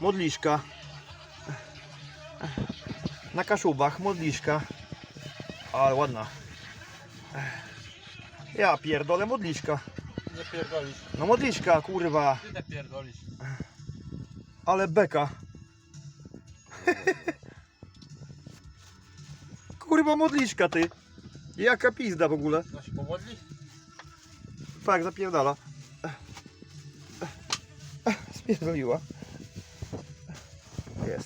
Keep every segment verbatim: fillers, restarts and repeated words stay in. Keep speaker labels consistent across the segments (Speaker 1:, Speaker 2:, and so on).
Speaker 1: Modliszka. Na Kaszubach, modliszka. Ale ładna. Ja pierdolę, modliszka.
Speaker 2: Nie pierdolisz.
Speaker 1: No modliszka, kurwa.
Speaker 2: Ty nie pierdolisz.
Speaker 1: Ale beka. Kurwa modliszka ty. Jaka pizda w ogóle.
Speaker 2: No się pomodli?
Speaker 1: Fakt, zapierdala. Spierdoliła. Jest.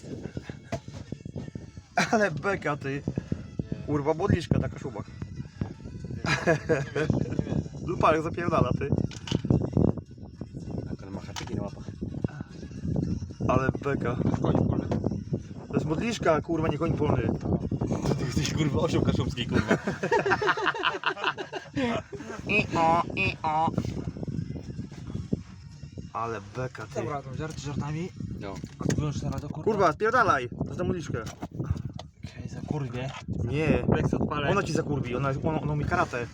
Speaker 1: Ale beka ty. Kurwa modliszka na Kaszubach. Lupa jak zapierdala ty.
Speaker 2: Tak, ale ma haczyki na łapach.
Speaker 1: Ale beka.
Speaker 2: Koń polny.
Speaker 1: To jest modliszka, kurwa, nie koń polny.
Speaker 2: Ty jesteś kurwa osioł kaszubski, kurwa.
Speaker 1: I o, i o. Ale beka ty.
Speaker 2: Dobra, tam żarty żartami. No. A ty wyłącz teraz do kurwa.
Speaker 1: Kurwa, spierdalaj. To jest na modliszkę.
Speaker 2: Okej, za kurwie.
Speaker 1: Nie.
Speaker 2: Jak się odpalę.
Speaker 1: Ona ci zakurwi, ona, ona, ona mi karate.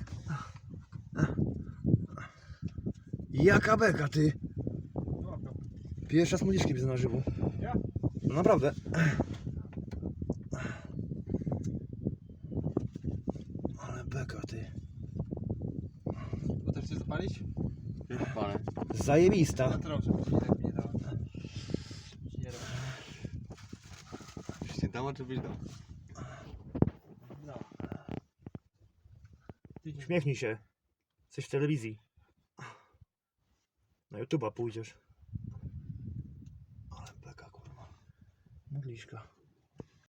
Speaker 1: Jaka beka ty. Pierwsza z modliszki widzę na żywo.
Speaker 2: Ja?
Speaker 1: No naprawdę. Ale beka ty.
Speaker 2: Bo też chcesz zapalić? Nie zapalę.
Speaker 1: Zajebista.
Speaker 2: Na trochę, żeby się tak nie dało. Nie dało. Już nie dało, czy byś dał? No.
Speaker 1: Uśmiechnij się. Jesteś w telewizji. Na YouTube'a pójdziesz. Ale beka kurwa. Modliszka.